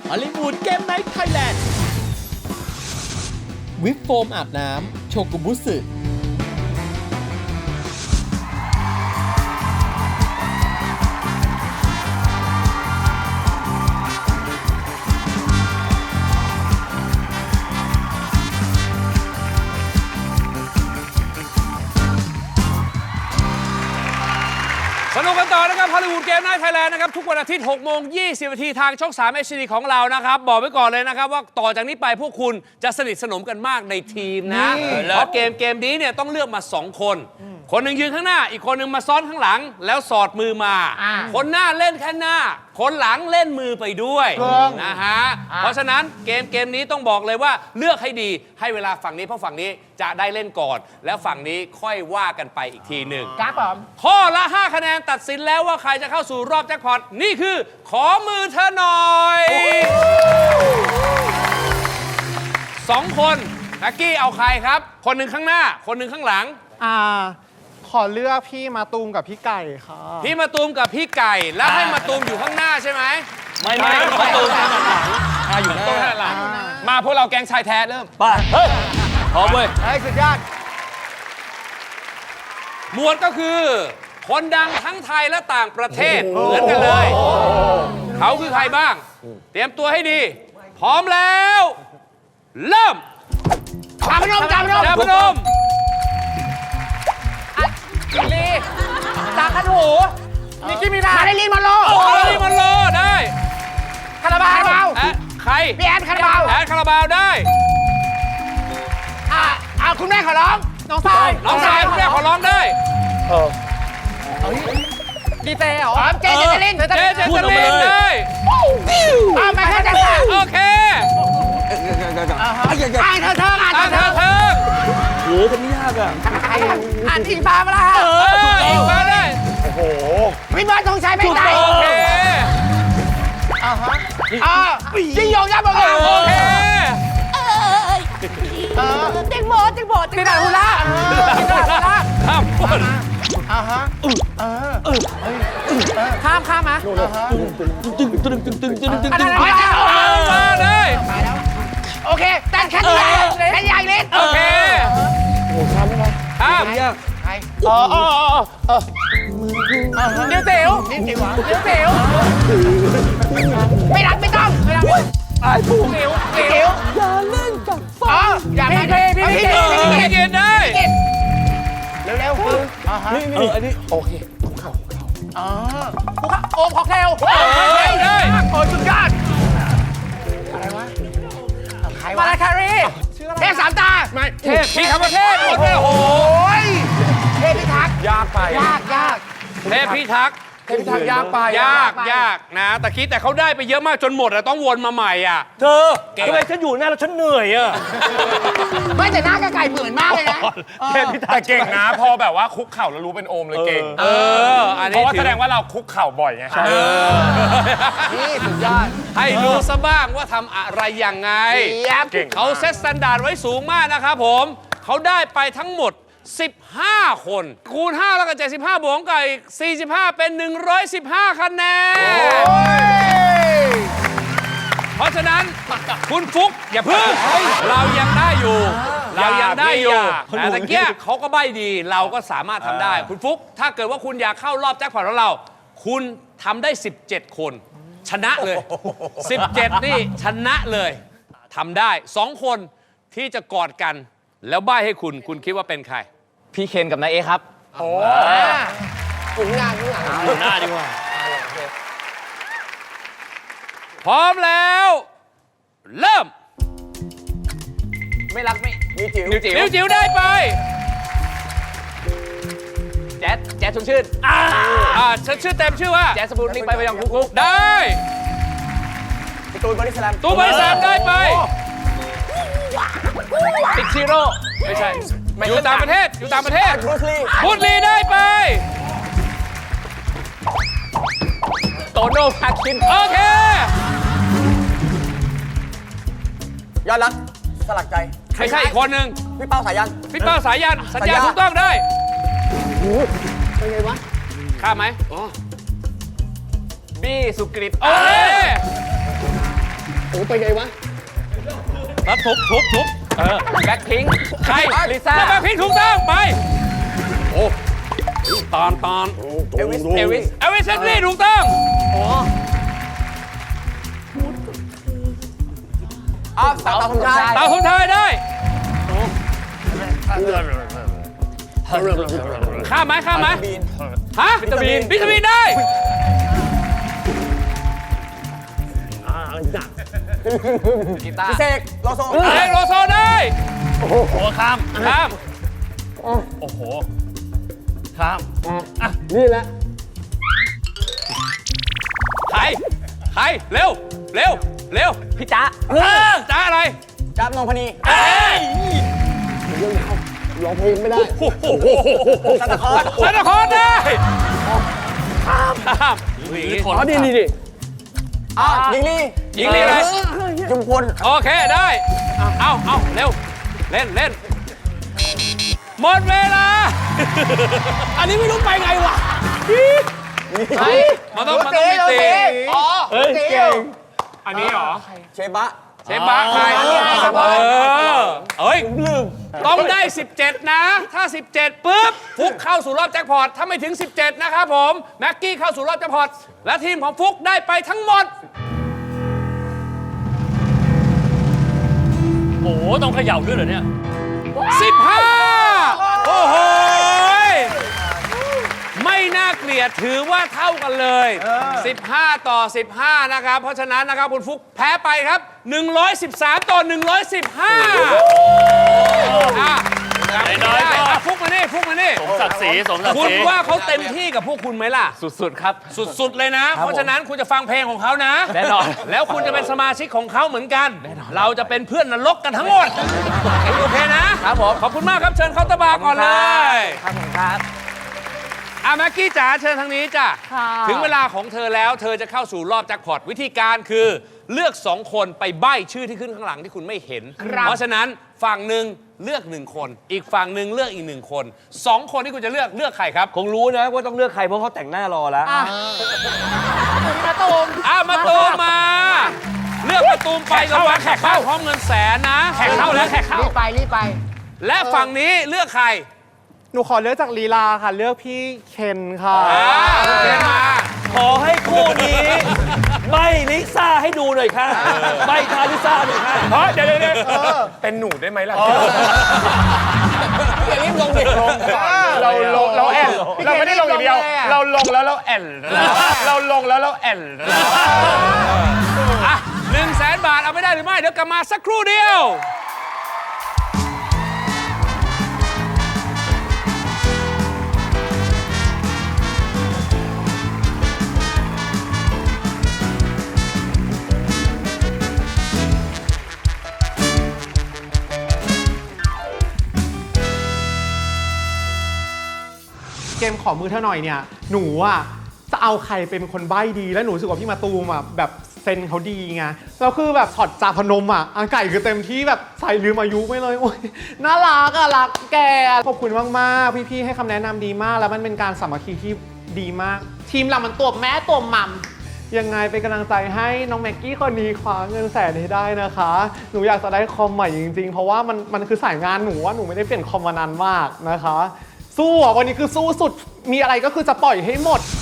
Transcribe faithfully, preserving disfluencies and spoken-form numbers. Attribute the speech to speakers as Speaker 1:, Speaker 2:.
Speaker 1: ฮอลลีวูดเกมไนท์ไทยแลนด์วิปโฟมอาบน้ำโชกุบุสึ
Speaker 2: สนุกกันต่อนะครับฮอลลีวูดเกมไนท์ไทยแลนด์นะครับทุกวันอาทิตย์หกโมงยี่สิบนาทีทางช่องสาม เอช ดี ของเรานะครับบอกไว้ก่อนเลยนะครับว่าต่อจากนี้ไปพวกคุณจะสนิทสนมกันมากในทีมนะเพราะเกมเกมนี้เนี่ยต้องเลือกมาสองคนคนหนึ่งยืนข้างหน้าอีกคนหนึ่งมาซ้อนข้างหลังแล้วสอดมือมาคนหน้าเล่นแค่หน้าคนหลังเล่นมือไปด้วยนะฮะเพราะฉะนั้นเกมเกมนี้ต้องบอกเลยว่าเลือกให้ดีให้เวลาฝั่งนี้เพราะฝั่งนี้จะได้เล่นก่อนแล้วฝั่งนี้ค่อยว่ากันไปอีกทีหนึ่ง
Speaker 3: ครับผม
Speaker 2: ข้อละห้าคะแนนตัดสินแล้วว่าใครจะเข้าสู่รอบแจ็คพอตนี่คือขอมือเธอหน่อยสองคนแม็กกี้เอาใครครับคนหนึ่งข้างหน้าคนหนึ่งข้างหลัง
Speaker 3: อ่าขอเลือกพี่มาตูมกับพี่ไก่ค่ะ
Speaker 2: พี่มาตูมกับพี่ไก่แล้วให้มาตูมอยู่ข้างหน้าใช่ไหมไม่ไม่มาตูมข้างหลังอยู่ข้างหลังมาพวกเราแก๊งชายแท้เริ่มไปเฮ้ยพร้อมเว้ย
Speaker 3: ไอ้สุดยอด
Speaker 2: หมวดก็คือคนดังทั้งไทยและต่างประเทศเหมือนกันเลยเขาคือใครบ้างเตรียมตัวให้ดีพร้อมแล้วเริ่ม
Speaker 3: จาพนมจาพนม
Speaker 2: จาพนม
Speaker 3: ลีตาขันหูนิกกี้มิรามาได้ลีมาโล
Speaker 2: โอ้ยมันโลได้
Speaker 3: คาราบาว
Speaker 2: แอะใคร
Speaker 3: พี่แอนคาราบาว
Speaker 2: แอนคาราบาวได้
Speaker 3: อ่าอ่าคุณแม่ขอร้องน้องทราย
Speaker 2: น้องชายคุณแม่ขอร้องได้
Speaker 3: ดีเจเหรอเจเจเจลิน
Speaker 2: เจเจเจลินได้
Speaker 3: อ่าไม่ใช่เจสัน
Speaker 2: โอเค
Speaker 3: อ่านเธอเธออ่าน
Speaker 2: อ่ะ
Speaker 3: เธ
Speaker 2: เธ
Speaker 3: อ
Speaker 2: อ
Speaker 3: เธ
Speaker 2: เธ
Speaker 3: อ
Speaker 2: อ
Speaker 1: โหคนนี้ยากอ่ะ
Speaker 3: อ่านอิงฟ้ามาละ
Speaker 2: เอออีกมาได้
Speaker 3: วิมานธงชัยไม่ได้
Speaker 2: โอเค
Speaker 3: อ่าฮะอ่ายิ่งยงยับบอก
Speaker 2: โอเค
Speaker 3: เต็งโมเต็งโมเต็งโมฮูล่าเต็งโมฮูล่า
Speaker 2: ข้ามคน
Speaker 3: อ่าฮะเออเออข้ามข้ามมาตึงตึงตึงตึงตึงตึงตึง
Speaker 2: มาได้
Speaker 3: โอเคแต่แค่ใหญ่แค่ใหญ่เล็ก
Speaker 2: โอเคข้ามข้าม
Speaker 3: ใครอ๋ออ๋ออ๋อเดี๋ยวเต๋วเดี๋ยวเต๋วไม่รักไม่ต้องไม่รักไอ้ปูเต๋วเต๋วอย่าเล่นกับฟ้าอย่าพี่พี่พี่พี่
Speaker 2: พี่เกดได้
Speaker 3: เร็วเร็วอ่าฮะนี่นี่อันนี้โอเคคุกเข่าคุกเข่าอ๋อคุกเข่าโอมค็อกเทล
Speaker 2: ได้
Speaker 3: โอ้สุดยอดอะไรวะใครวะมาลาคารีเทพสามตาไม่
Speaker 2: เทพพี่คำว่าเทพโอ้โห
Speaker 3: ยเทพพิทักษ์ยากไปยากยาก
Speaker 2: เทพพิทักษ์
Speaker 3: เทพพิทักษ์ยากไป
Speaker 2: ยากยากนะแต่คิดแต่เขาได้ไปเยอะมากจนหมดอะต้องวนมาใหม่อ่ะ
Speaker 4: เธอทำไมฉันอยู่หน้าแล้วฉันเหนื่อยอ่ะ
Speaker 3: ไม่แต่หน้ากระไก่เหมือนมากเลยนะ
Speaker 5: แต่เก่งนะพอแบบว่าคุกเข่าแล้วรู้เป็นโอมเลยเก่ง
Speaker 2: เอออัน
Speaker 5: เพ
Speaker 2: นี้
Speaker 5: ราะว่า
Speaker 2: ถื
Speaker 5: แส
Speaker 2: อ
Speaker 5: ดงว่าเราคุกเข่าบ่อยไง
Speaker 2: เออ
Speaker 3: นี่สุดยอด
Speaker 2: ให้รู้ซะบ้างว่าทำอะไรยังไง
Speaker 5: เก่ง
Speaker 2: เขาเซตสแตนดาร์ดไว้สูงมากนะครับผมเขาได้ไปทั้งหมดสิบห้าคนคูณห้าแล้วก็เจ็ดสิบห้าบวกกับอีกสี่สิบห้าเป็นหนึ่งร้อยสิบห้าคะแนนเพราะฉะนั้นคุณฟุกอย่าเพิ่งเรายังได้อยู่เรายังได้อยู่แต่ตะเกียเขาก็ใบ้ดีเราก็สามารถทำได้คุณฟุกถ้าเกิดว่าคุณอยากเข้ารอบแจ็คพอตของเราคุณทำได้สิบเจ็ดคนชนะเลยสิบเจ็ดนี่ชนะเลยทำได้สองคนที่จะกอดกันแล้วใบ้ให้คุณคุณคิดว่าเป็นใคร
Speaker 4: พี่เคนกับนายเอครับ
Speaker 3: โอ้ถึงงานถึงงาน
Speaker 4: อยู่หน้าดีกว่า
Speaker 2: พร้อมแล้ว เริ่ม
Speaker 4: ไม่รักไม่นิวจิ๋วนิวจิ๋ว
Speaker 2: นิ้วจิ๋วได้ไป
Speaker 4: แจ๊ดแจ๊ดชมชื่น
Speaker 2: อ่าอ่าฉันชื่อเต็มชื่อว่า
Speaker 4: แจ๊ดสปูนนิ่งไปไปยังคุกคุก
Speaker 2: ได้
Speaker 4: ตูนบริสแลม
Speaker 2: ตู้ใบสามได้ไป
Speaker 4: ติ๊กชิโร่
Speaker 2: ไม่ใช่อยู่ต่างประเทศอยู่ต่างประเทศ
Speaker 4: บรูซลี
Speaker 2: พุทธลีได้ไป
Speaker 4: โตโน่พาคิน
Speaker 2: โอเค
Speaker 4: ยอดรักสลักใจ
Speaker 2: ไม่ใช่อีกคนหนึ่ง
Speaker 4: พี่เป้าสายัน
Speaker 2: พี่เป้าสายันสัญญา
Speaker 4: สัญญา
Speaker 2: ถูกต้องได้
Speaker 3: เป็นไงวะ
Speaker 2: ข้ามไหม
Speaker 4: บี้สุกริต
Speaker 2: โอเค
Speaker 3: อ้ไปไงวะ
Speaker 2: แล้วทุบทุบทุบเออ
Speaker 4: แบ็คพิงค์
Speaker 2: ใคร
Speaker 4: ลิซ่า
Speaker 2: แบ็คพิงค์ถูกต้องไปโอ้ตอนตอน
Speaker 4: เอลวิสเอลวิส
Speaker 2: เอลวิสเซนลี่ถูกต้อง
Speaker 4: อ้าวสาวสมชาย
Speaker 2: ตามคนไทยได้ข้ามไหมข้ามไหม
Speaker 4: บีน
Speaker 2: ฮะ
Speaker 4: วิตามิน
Speaker 2: วิตามินได้
Speaker 4: กีตาร์พิเศษโลโซ
Speaker 2: เอกโลโซได้
Speaker 5: โอ้โหข้าม
Speaker 2: ข้าม
Speaker 5: โอ้โหข้าม
Speaker 3: นี่แหละ
Speaker 2: ใครใครเร็วเร็วเร็ว
Speaker 4: พี่จ๊ะ
Speaker 2: เออจ้าอะไร
Speaker 4: จ๊ะนงพนี
Speaker 2: เอ้ย
Speaker 3: ร้องเพลงไม่ได้
Speaker 2: โอ้โห
Speaker 4: ซันตาคลอส
Speaker 2: ซานตาคลอสได้ข้ามข้ามหนี
Speaker 3: อ๋อนี่นี่นี่
Speaker 4: อ้าวยิงลี่
Speaker 2: ยิงลีอะไร
Speaker 4: จุมพล
Speaker 2: โอเคได้ เอาเอาเร็ว เล่นเล่นหมดเวลา
Speaker 3: อันนี้ไม่รู้ไปไงวะ
Speaker 2: มันต้องมันต้องมีตี
Speaker 4: อ๋อ
Speaker 3: เฮ้ยเก่ง
Speaker 5: อันนี้เหรอ
Speaker 4: เชบะ
Speaker 2: เชฟบาใครเออเอ้ยต้องได้ สิบเจ็ด นะ ถ้า สิบเจ็ด ปุ๊บ ฟุกเข้าสู่รอบแจ็คพอต ถ้าไม่ถึง สิบเจ็ด นะครับผม แม็กกี้เข้าสู่รอบแจ็คพอต และทีมของฟุกได้ไปทั้งหมด
Speaker 5: โอ้โหต้องเขย่าด้วยเหรอเนี่ย
Speaker 2: สิบห้า โอ้โหยไม่น่าเกลียดถือว่าเท่ากันเลย สิบห้า ต่อ สิบห้า นะครับ เพราะฉะนั้นนะครับคุณฟุกแพ้ไปครับ หนึ่งร้อยสิบสาม ต่อ หนึ่งร้อยสิบห้า อ่ะ
Speaker 5: น้อยๆก็
Speaker 2: อ่ะฟุกมานี่ฟุกมานี่
Speaker 5: สมศักดิ์ศรีสมศักดิ์
Speaker 2: คุ
Speaker 5: ศ
Speaker 2: ณ
Speaker 5: รี
Speaker 2: ว่าเขาเต็มที่กับพวกคุณไหมล่ะ
Speaker 5: สุดๆครับ
Speaker 2: สุดๆเลยนะ เพราะฉะนั้นคุณจะฟังเพลงของเขานะ
Speaker 5: แน่นอน
Speaker 2: แล้วคุณจะเป็นสมาชิกของเขาเหมือนกัน เราจะเป็นเพื่อนนรกกันทั้งหมด โอเคนะครับผมขอบคุณมากครับเชิญเคาน์เตอร์บาร์ก่อนเลย
Speaker 4: ครับผมครับ
Speaker 2: อ่ะแม็กกี้จ๋าเชิญทางนี้จ้ะถึงเวลาของเธอแล้วเธอจะเข้าสู่รอบแจ็คพอตวิธีการคือเลือกสองคนไปใบ้ชื่อที่ขึ้นข้างหลังที่คุณไม่เห็น เพราะฉะนั้นฝั่งหนึ่งเลือกหนึ่งคน อีกฝั่งหนึ่งเลือกอีกหนึ่งคนสองคนที่คุณจะเลือกเลือกใครครับ
Speaker 6: คงรู้นะว่าต้องเลือกใครเพราะเขาแต่งหน้ารอแล้ว
Speaker 2: มาตูมอ่ะมาตูมมา เลือกมาตูมไประวังแขกเข้าพร้อมเงินแสนนะแขกเข้าแล้วแขกเข้า
Speaker 3: รีบไปรีบไป
Speaker 2: และฝั่งนี้เลือกใคร
Speaker 7: หนูขอเลือกจากลีลาค่ะ เลือกพี่เคนค่ะ
Speaker 2: อ่าเชิญมา
Speaker 6: ขอให้คู่นี้ใบลิซ่าให้ดูหน่อยค่ะใบทาลิซ่าหน่อยค่ะ
Speaker 5: เฮ้ยเดี๋ยวเดี๋ยวเดี๋ยวเป็นหนูได้ไหมล่ะ
Speaker 4: อย่ารีบลงดิลง
Speaker 5: เราลงเราแอนเราไม่ได้ลงอย่างเดียว เราลงแล้วเราแอนเราลงแล้วเราแอน
Speaker 2: อ่ะหนึ่งแสนบาทเอาไม่ได้หรือไม่ เดี๋ยวกลับมาสักครู่เดียว
Speaker 7: เกมขอมือเธอหน่อยเนี่ย หนูอ่ะจะเอาใครเป็นคนใบ้ดีแล้วหนูรู้สึกว่าพี่มาตูมอ่ะแบบเซนเขาดีไงแล้วคือแบบช็อตจาพนมอ่ะอาไก่คือเต็มที่แบบใส่ลืมอายุไม่เลยโอ้ยน่ารักอ่ะรักแกขอบคุณมากๆพี่ๆให้คำแนะนำดีมากแล้วมันเป็นการสามัคคีที่ดีมาก ทีมเรามันตัวแม่ตัวมัมยังไงเป็นกำลังใจให้น้องแม็กกี้คนนี้คว้าเงินแสนให้ได้นะคะ หนูอยากจะได้คอมใหม่จริงๆเพราะว่ามันมันคือสายงานหนูว่าหนูไม่ได้เปลี่ยนคอมมานานมากนะคะสู้อ่ะวันนี้คือสู้สุดมีอะไรก็คือจะปล่อยให้หมด